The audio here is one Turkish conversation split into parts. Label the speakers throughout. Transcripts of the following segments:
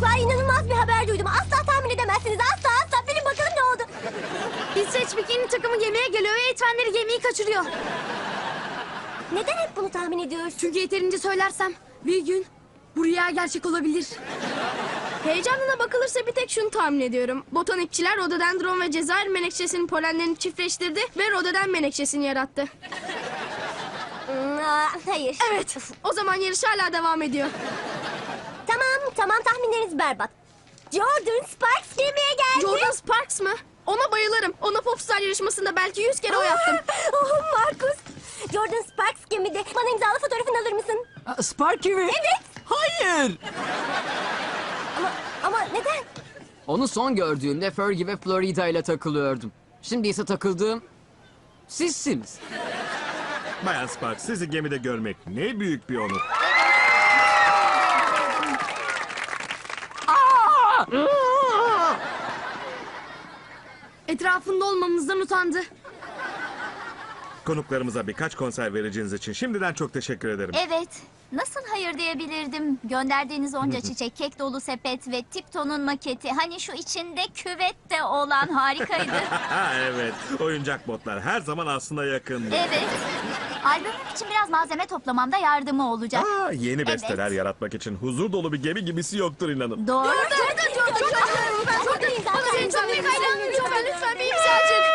Speaker 1: Çocuklar, inanılmaz bir haber duydum. Asla tahmin edemezsiniz. Asla. Bilin bakalım ne oldu.
Speaker 2: İsveç bikini takımı gemiye geliyor ve eğitmenleri gemiyi kaçırıyor.
Speaker 1: Neden hep bunu tahmin ediyorsun?
Speaker 2: Çünkü yeterince söylersem bir gün bu rüya gerçek olabilir.
Speaker 3: Heyecanına bakılırsa bir tek şunu tahmin ediyorum. Botanikçiler rododendron ve Cezayir menekşesinin polenlerini çiftleştirdi ve rododendron menekşesini yarattı.
Speaker 1: Hayır.
Speaker 3: Evet, o zaman yarış hala devam ediyor.
Speaker 1: Tamam, tahminleriniz berbat. Jordan Sparks gemiye geldi.
Speaker 3: Jordan Sparks mı? Ona bayılırım. Ona Popstar yarışmasında belki 100 kere oy attım.
Speaker 1: Markus. Jordan Sparks gemide. Bana imzalı fotoğrafını alır mısın?
Speaker 4: Sparky mi?
Speaker 1: Evet.
Speaker 4: Hayır.
Speaker 1: Ama neden?
Speaker 4: Onu son gördüğümde Fergie ve Florida ile takılıyordum. Şimdi ise takıldığım sizsiniz.
Speaker 5: Bayan Sparks, sizi gemide görmek ne büyük bir onur.
Speaker 2: Etrafında olmamızdan utandı.
Speaker 5: Konuklarımıza birkaç konser vereceğiniz için şimdiden çok teşekkür ederim.
Speaker 6: Evet. Nasıl hayır diyebilirdim? Gönderdiğiniz onca çiçek, kek dolu sepet ve Tipton'un maketi. Hani şu içinde küvet de olan harikaydı.
Speaker 5: Evet, oyuncak botlar her zaman aslında yakındı.
Speaker 6: Evet. Albümüm için biraz malzeme toplamamda yardımı olacak.
Speaker 5: Yeni besteler
Speaker 6: Evet.
Speaker 5: yaratmak için huzur dolu bir gemi gibisi yoktur inanın.
Speaker 6: Doğru.
Speaker 3: Lütfen bir imzacık.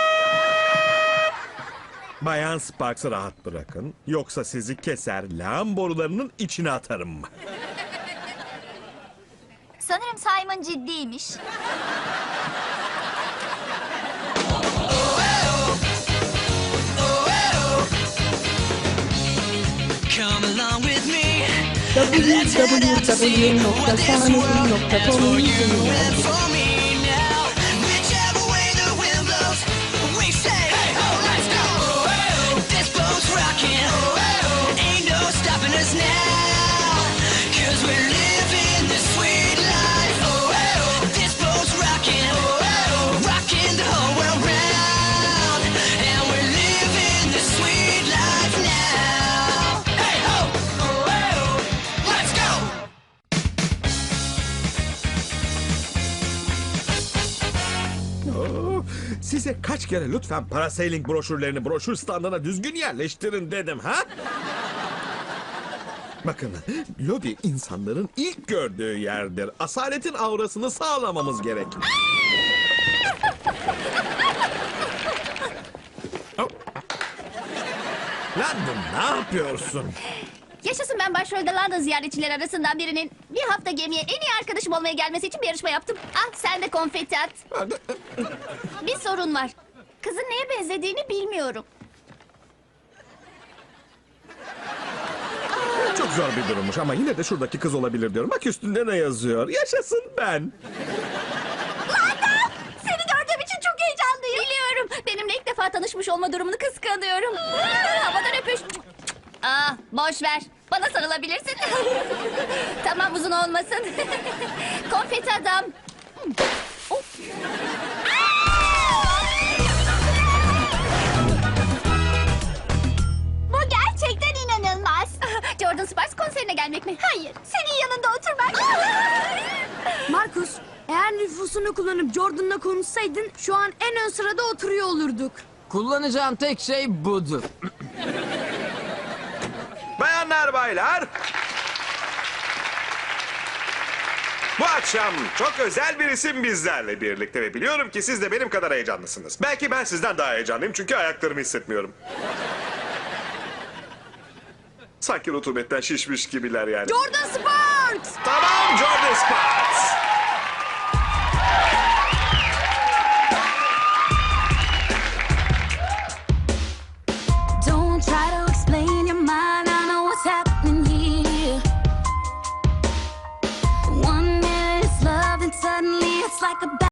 Speaker 5: Bayan Sparks'ı rahat bırakın, yoksa sizi keser lağım borularının içine atarım.
Speaker 6: Sanırım Simon ciddiymiş.
Speaker 7: Come along with me. Let's head out to sea. Well, there's a world that's for you and for me now. Whichever way the wind blows, we say, hey ho, let's go. This boat's rocking. Ain't no stopping us now. 'Cause we're living this sweet life. This boat's rocking. Rocking the whole world round. And we're living this sweet life now. Hey ho, let's go.
Speaker 5: Size kaç kere lütfen parasailing broşürlerini broşür standına düzgün yerleştirin dedim ha? Bakın, lobi insanların ilk gördüğü yerdir. Asaletin aurasını sağlamamız gerek. London, ne yapıyorsun?
Speaker 6: Yaşasın, ben başrolde London ziyaretçiler arasından birinin bir hafta gemiye en iyi arkadaşım olmaya gelmesi için bir yarışma yaptım. Ah, sen de konfeti at. Bir sorun var. Kızın neye benzediğini bilmiyorum.
Speaker 5: Çok zor bir durummuş ama yine de şuradaki kız olabilir diyorum. Bak üstünde ne yazıyor? Yaşasın ben.
Speaker 6: Seni gördüğüm için çok heyecanlıyım. Biliyorum. Benimle ilk defa tanışmış olma durumunu kıskanıyorum. Havadan öpüş. Ah, boş ver. Bana sarılabilirsin. Tamam, uzun olmasın. Konfeti adam. Of. Bu gerçekten inanılmaz. Jordan Sparks konserine gelmek mi? Hayır. Senin yanında oturmak.
Speaker 2: Markus, eğer nüfusunu kullanıp Jordan'la konuşsaydın şu an en ön sırada oturuyor olurduk.
Speaker 4: Kullanacağım tek şey budur.
Speaker 8: Bayanlar, baylar. Bu akşam çok özel bir isim bizlerle birlikte ve biliyorum ki siz de benim kadar heyecanlısınız. Belki ben sizden daha heyecanlıyım çünkü ayaklarımı hissetmiyorum. Sanki rutubetten şişmiş gibiler yani.
Speaker 2: Jordan Sparks!
Speaker 8: Tamam, Jordan Sparks.